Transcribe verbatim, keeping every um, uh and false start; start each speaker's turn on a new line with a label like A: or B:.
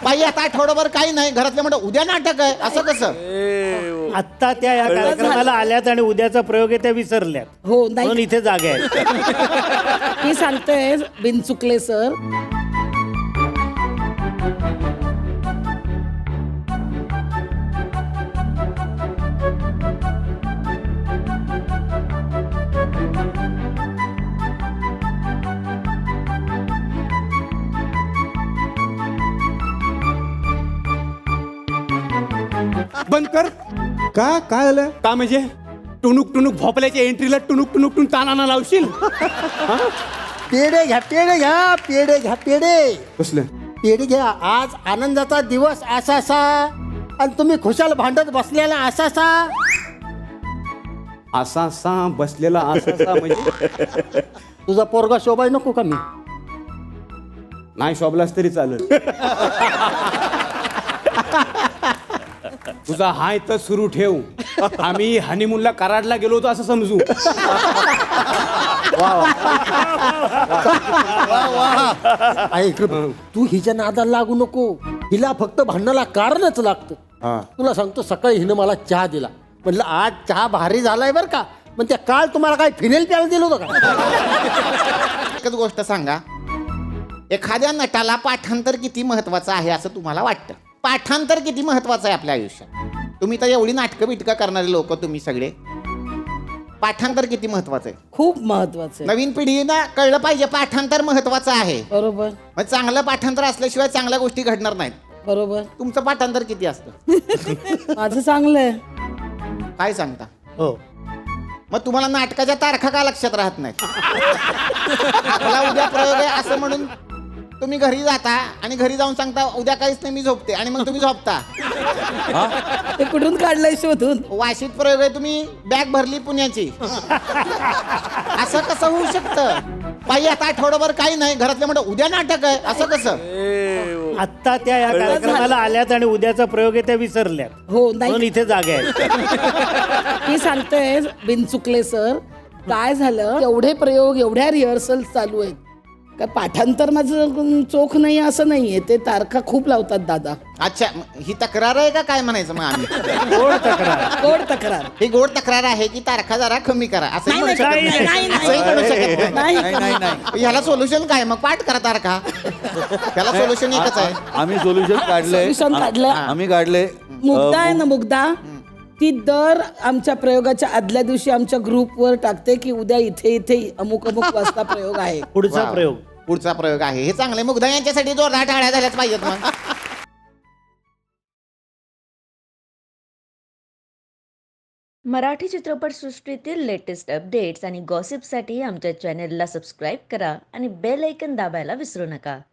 A: बाई आता आठवडाभर काही नाही घरातले म्हणतात उद्या नाटक आहे असं कसं.
B: आत्ता त्या या कार्यक्रमाला आल्यात आणि उद्याचा प्रयोग आहे त्या विसरल्यात
C: हो
B: म्हणून
C: नाही
B: इथे जागा आहे.
C: मी सांगते बिनचुकले सर.
D: बंद कर.
E: का काय झालं?
D: का म्हणजे टुनुक टुनुक भोपल्याच्या एंट्रीला टुनुक टुनुक टुन तानाना लावशील.
E: पेढे घ्या पेढे घ्या पेढे घ्या पेढे
D: कसलं
E: पेढे घ्या. आज आनंदाचा दिवस असासा आणि तुम्ही खुशाल भांडत बसलेला असासा.
D: असा सा बसलेला असा म्हणजे
E: तुझा पोरगा शोभाय नको का मी?
D: नाही शोभलास तरी चालेल. तुझा हाय तर सुरू ठेव. आम्ही हनीमूनला कराडला गेलो होतो असं समजू.
E: ऐक रे, तू हिच्या नादाला लागू नको. हिला फक्त भांडणाला कारणच लागतं. तुला सांगतो सकाळी हिनं मला चहा दिला. म्हटलं आज चहा भारी झालाय बरं का. पण त्या काल तुम्हाला काय फिनेल प्यायला दिलं होतं का?
A: एकच गोष्ट सांगा, एखाद्या नटाला पाठांतर किती महत्वाचं आहे असं तुम्हाला वाटतं? पाठांतर किती महत्वाचं आहे आपल्या आयुष्यात? तुम्ही तर एवढी नाटकं बिटकं करणारे लोक तुम्ही सगळे, पाठांतर किती महत्वाचं आहे?
C: खूप महत्वाचं आहे.
A: नवीन पिढीनं कळलं पाहिजे पाठांतर महत्वाचं आहे.
C: बरोबर
A: मग चांगलं पाठांतर असल्याशिवाय चांगल्या गोष्टी घडणार नाहीत.
C: बरोबर.
A: तुमचं पाठांतर किती असतं?
C: माझं चांगलं आहे.
A: काय सांगता?
B: हो
A: मग तुम्हाला नाटकाच्या तारखा का लक्षात राहत नाहीत? आपला उद्या प्रयोग आहे असं म्हणून तुम्ही घरी जाता आणि घरी जाऊन सांगता उद्या काहीच नाही मी झोपते आणि मग तुम्ही झोपता.
C: ते कुठून काढलंय शोधून?
A: वाशीत प्रयोग आहे तुम्ही बॅग भरली पुण्याची. असं कसं होऊ शकतं? बाई आता आठवडाभर काही नाही घरातले म्हणतात उद्या नाटक आहे असं कसं.
B: आत्ता त्या या कार्यक्रमाला आल्यात आणि उद्याचा प्रयोग आहे त्या विसरल्यात
C: हो
B: म्हणून
C: नाही
B: इथे जागा आहे.
C: मी सांगते बिनचुकले सर. काय झालं एवढे प्रयोग एवढ्या रिहर्सल चालू आहेत काय पाठांतर माझं चोख नाही असं नाहीये. ते तारखा खूप लावतात दादा.
A: अच्छा ही तक्रार आहे का काय म्हणायचं मग आम्ही?
B: गोड तक्रार.
C: गोड तक्रार.
A: ही गोड तक्रार आहे की तारखा जरा कमी करा असं
C: नाही,
A: म्हणू शकत
C: नाही,
A: नाही.
C: नाही, नाही.
A: असंही म्हणू शकत नाही.
C: नाही नाही.
A: ह्याला सोल्युशन काय मग? पाठ करा तारखा. ह्याला सोल्युशन एकच आहे.
F: आम्ही सोल्युशन काढलंय.
C: Solution काढलंय.
F: आ- आम्ही काढले.
C: मुग्धा आहे ना मुग्धा, ती दर आमच्या प्रयोगाच्या आदल्या दिवशी आमच्या ग्रुपवर टाकते की उद्या इथे इथे अमुक अमुक वाजता प्रयोग आहे.
B: पुढचा
A: वा.
B: प्रयोग
A: पुढचा प्रयोग आहे. हे चांगले मुग्धा यांच्यासाठी जोरदार टाळ्या झाल्याच पाहिजेत मग.
G: मराठी चित्रपटसृष्टीतील लेटेस्ट अपडेट्स आणि गॉसिपसाठी आमच्या चॅनेलला सबस्क्राईब करा आणि बेल ऐकन दाबायला विसरू नका.